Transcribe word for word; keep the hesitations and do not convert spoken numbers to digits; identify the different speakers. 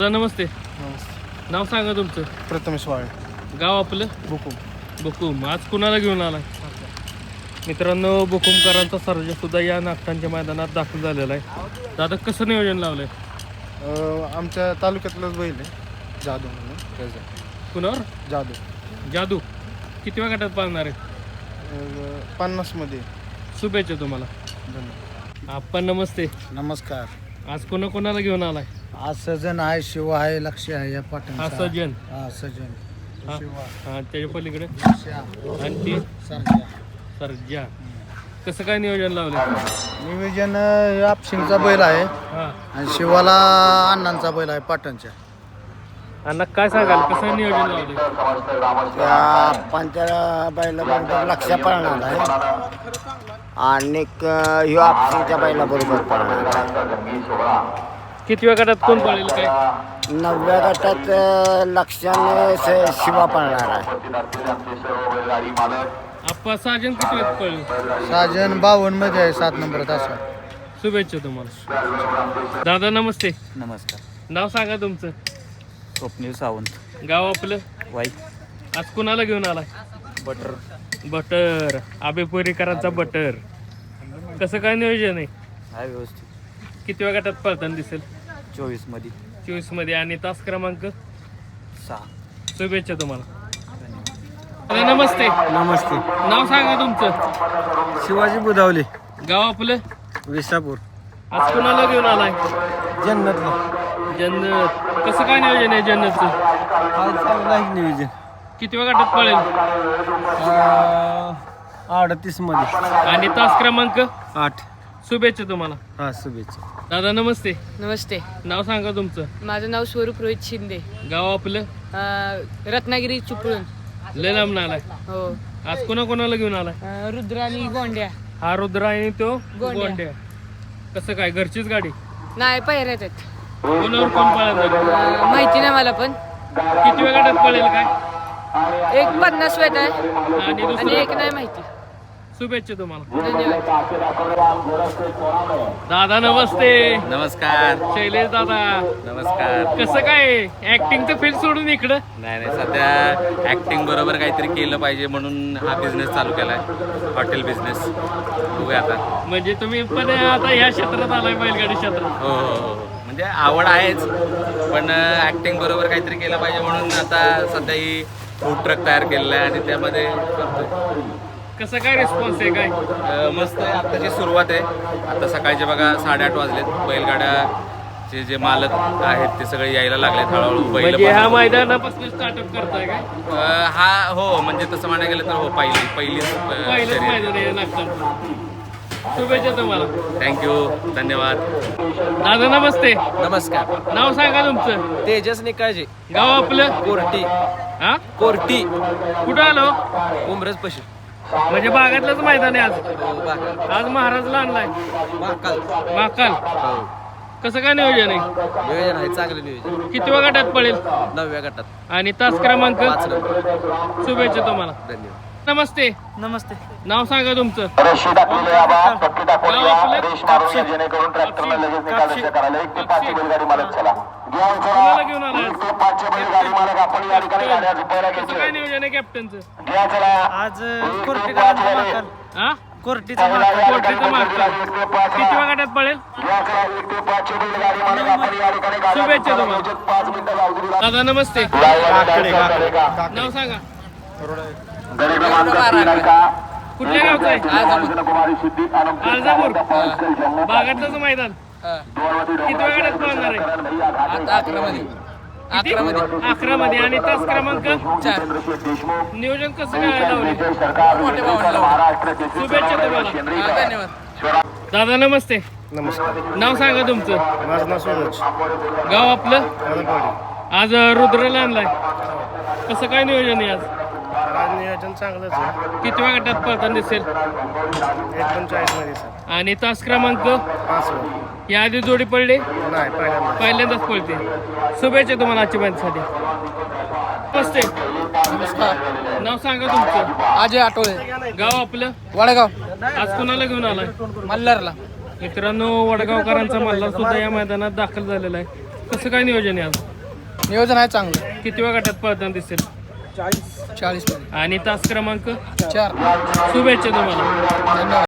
Speaker 1: नमस्ते.
Speaker 2: नमस्ते.
Speaker 1: नाव सांगा तुमचं.
Speaker 2: प्रथमेश वाळे.
Speaker 1: गाव आपलं.
Speaker 2: बुकुम.
Speaker 1: बुकुम. आज कुणाला घेऊन आलाय? मित्रांनो, बुकुमकरांचा सर्जा सुद्धा या नागठाणच्या मैदानात दाखल झालेला आहे. दादा कसं नियोजन लावलंय?
Speaker 2: अ, आमच्या तालुक्यातलंच बैल आहे, जादू म्हणून त्याचं.
Speaker 1: कुणावर?
Speaker 2: जादू.
Speaker 1: जादू. किती वेळ गटात पाळणार आहे?
Speaker 2: अ, पन्नासमध्ये.
Speaker 1: शुभेच्छा तुम्हाला.
Speaker 2: धन्यवाद.
Speaker 1: आपण नमस्ते.
Speaker 3: नमस्कार.
Speaker 1: आज कोणा कोणाला घेऊन आलाय?
Speaker 3: आज सजन आहे, शिव आहे, लक्ष आहे या पाटण.
Speaker 1: हा सज्जन.
Speaker 3: हा सजन.
Speaker 1: हा
Speaker 3: शिवा,
Speaker 1: हा, त्याच्या पलीकडे
Speaker 3: लक्ष्या,
Speaker 1: आणि ती
Speaker 3: सरजा.
Speaker 1: सर्जा. कसं काय नियोजन लावलंय?
Speaker 3: नियोजन अं, आपशिंगचा बैल आहे
Speaker 1: हा.
Speaker 3: आणि शिवाला अण्णांचा बैल आहे पाटणच्या.
Speaker 1: अण्णा काय सांगाल, कसं नियोजन लावलंय?
Speaker 4: त्या पंच्या बैलाबरोबर लक्ष पळणार आहे आणि ह्यो आपसीच्या बैलाबरोबर पळणार आहे.
Speaker 1: किती वेळ गटात कोण पळेल काय?
Speaker 4: नवव्या गटात अ, लक्षाने स- शिवा पळणार आहे.
Speaker 1: आप्पा साजन किती वेळात पळेल?
Speaker 3: साजन बावन्न मध्ये आहे, सात नंबर तासा.
Speaker 1: शुभेच्छा तुम्हाला. दादा नमस्ते.
Speaker 5: नमस्कार.
Speaker 1: नाव सांगा तुमचं.
Speaker 5: स्वप्नील सावंत.
Speaker 1: गाव आपलं.
Speaker 5: वाई.
Speaker 1: आज कुणाला घेऊन आलाय?
Speaker 5: बटर.
Speaker 1: बटर. आबेपुरीकरांचा बटर. कसं काय नियोजन आहे?
Speaker 5: आहे व्यवस्थित.
Speaker 1: किती वेळ गटात पळताना दिसेल?
Speaker 5: चोवीस मध्ये.
Speaker 1: चोवीस मध्ये. आणि तास क्रमांक?
Speaker 5: सहा.
Speaker 1: शुभेच्छा तुम्हाला. दादा नमस्ते.
Speaker 3: नमस्ते.
Speaker 1: नाव सांगा तुमचं.
Speaker 3: शिवाजी बुधावले,
Speaker 1: गाव आपलं.
Speaker 3: विसापूर.
Speaker 1: आज कुणाला घेऊन आलाय?
Speaker 3: जन्नतला.
Speaker 1: जन्नत. कसं काय नियोजन आहे जन्नतचं?
Speaker 3: आज चांगलं आहे नियोजन.
Speaker 1: किती वेळ गटात पळेल?
Speaker 3: अडतीस मध्ये.
Speaker 1: आणि तास क्रमांक?
Speaker 3: आठ.
Speaker 1: शुभेच्छा तुम्हाला.
Speaker 3: हा, शुभेच्छा.
Speaker 1: दादा नमस्ते.
Speaker 6: नमस्ते.
Speaker 1: नाव सांगा तुमचं.
Speaker 6: माझं नाव स्वरूप रोहित शिंदे.
Speaker 1: गाव आपलं.
Speaker 6: अं, रत्नागिरी चिपळूण.
Speaker 1: लय लांब आलाय.
Speaker 6: हो.
Speaker 1: आज कोणा कोणाला घेऊन आलाय?
Speaker 6: अं, रुद्र आणि गोंड्या.
Speaker 1: हा रुद्र आणि तो
Speaker 6: गोंड्या.
Speaker 1: गोंड्या. कसं काय, घरचीच गाडी?
Speaker 6: नाही, पायऱ्यात आहेत.
Speaker 1: कोणावर कोण पळायला?
Speaker 6: अं, माहिती नाही मला, पण
Speaker 1: किती वेळ गटात पळेल काय?
Speaker 6: एक पन्नास वेट आहे
Speaker 1: आणि
Speaker 6: आणि
Speaker 1: दुसरं?
Speaker 6: एक नाही माहिती.
Speaker 1: शुभेच्छा तुम्हाला.
Speaker 6: धन्यवाद.
Speaker 1: दादा नमस्ते.
Speaker 5: नमस्कार.
Speaker 1: शैलेश दादा.
Speaker 5: नमस्कार.
Speaker 1: कसं काय, ऍक्टिंगचं फील्ड सोडून इकडं?
Speaker 5: नाही नाही सध्या ऍक्टिंग बरोबर काहीतरी केलं पाहिजे म्हणून हा बिझनेस चालू केलाय, हॉटेल बिझनेस. बघूया आता.
Speaker 1: म्हणजे तुम्ही पण आता ह्या क्षेत्रात आलाय, बैलगाडी क्षेत्रात.
Speaker 5: हो हो हो हो. म्हणजे आवड आहेच, पण ऍक्टिंग बरोबर काहीतरी केलं पाहिजे म्हणून आता सध्या ही फूड ट्रक तयार केलेला आहे आणि त्यामध्ये करतोय.
Speaker 1: कसं काय रिस्पॉन्स आहे काय?
Speaker 5: अं, मस्त आहे. आत्ताची सुरुवात आहे. आता सकाळचे बघा साडेआठ वाजलेत. बैलगाड्याचे जे मालक आहेत ते सगळे यायला लागलेत हळूहळू. बैल
Speaker 1: म्हणजे ह्या
Speaker 5: पण-
Speaker 1: मैदानापासून स्टार्टअप करताय काय?
Speaker 5: अं, हा हो, म्हणजे तसं म्हणायला गेलं तर हो, पहिली पहिलीच
Speaker 1: पहिलंच मैदान आहे नागपूर. शुभेच्छा तुम्हाला.
Speaker 5: थँक्यू. धन्यवाद.
Speaker 1: दादा नमस्ते.
Speaker 7: नमस्कार.
Speaker 1: नाव सांगा तुमचं.
Speaker 7: तेजस निकाळजे.
Speaker 1: गाव आपलं.
Speaker 7: कोर्टी.
Speaker 1: हा
Speaker 7: कोर्टी.
Speaker 1: कुठं आलो?
Speaker 7: उमरज पशु.
Speaker 1: म्हणजे बागातलंच मैदान आहे आज.
Speaker 7: बाका.
Speaker 1: आज महाराजला आणलाय.
Speaker 7: महाकाल.
Speaker 1: महाकाल.
Speaker 7: हो.
Speaker 1: कसं काय नियोजन आहे?
Speaker 7: नियोजन आहे, चांगलं नियोजन.
Speaker 1: किती वेळ गटात पडेल?
Speaker 7: नवव्या गटात.
Speaker 1: आणि तास क्रमांक?
Speaker 7: पाच नंबर.
Speaker 1: शुभेच्छा तुम्हाला.
Speaker 7: धन्यवाद.
Speaker 1: नमस्ते.
Speaker 3: नमस्ते.
Speaker 1: नाव सांगा तुमचं. गाव आपलं. कापशी. कुणाला घेऊन आलाय आज? कसं काय नियोजन आहे कॅप्टनचं?
Speaker 3: आज कोर्टीकरांचा महाकाल.
Speaker 1: हा
Speaker 3: कोर्टीचा महाकाल.
Speaker 1: कोर्टीचं महाकाल. किती वेळ गटात पडेल? शुभेच्छा तुम्हाला. दादा नमस्ते. नाव सांगा. कुठल्या गावचं आहे? आळजापूर. बागातलंच मैदान. किती वेळ गटात पळणार आहे?
Speaker 7: आता अकरा मध्ये.
Speaker 1: किती? अकरा मध्ये. आणि तास क्रमांक?
Speaker 7: चार.
Speaker 1: नियोजन कसं काय लावले?
Speaker 7: मोठे भावंड.
Speaker 1: शुभेच्छा तुम्हाला.
Speaker 7: हा, धन्यवाद.
Speaker 1: दादा नमस्ते.
Speaker 2: नमस्कार.
Speaker 1: नाव सांगा तुमचं.
Speaker 2: माझं नाव सूरज.
Speaker 1: गाव आपलं.
Speaker 2: आदमवाडी.
Speaker 1: आज रुद्रला आणलाय. कसं काय नियोजन आहे आज?
Speaker 2: आज नियोजन चांगलंच आहे.
Speaker 1: किती वेळ गटात पळताना दिसेल?
Speaker 2: एकोणचाळीस मध्ये सर.
Speaker 1: आणि तास क्रमांक?
Speaker 2: पाच वर.
Speaker 1: या आधी जोडी पडली?
Speaker 2: नाही, पहिल्यांदा.
Speaker 1: पहिल्यांदाच पळते. शुभेच्छा तुम्हाला आजच्या माहितीसाठी. नमस्ते. नाव सांगा तुमचं.
Speaker 7: अजय आठवले.
Speaker 1: गाव आपलं.
Speaker 7: वडगाव.
Speaker 1: आज कुणाला घेऊन आलाय?
Speaker 7: मल्हारला.
Speaker 1: मित्रांनो, वडगावकरांचा मल्हार सुद्धा या मैदानात दाखल झालेला आहे. कसं काय नियोजन आहे आज?
Speaker 3: नियोजन आहे चांगलं.
Speaker 1: किती वेळ गटात पळताना दिसेल?
Speaker 3: चाळीस चाळीस
Speaker 1: आणि तास क्रमांक
Speaker 3: चार.
Speaker 1: शुभेच्छा तुम्हाला.
Speaker 3: धन्यवाद.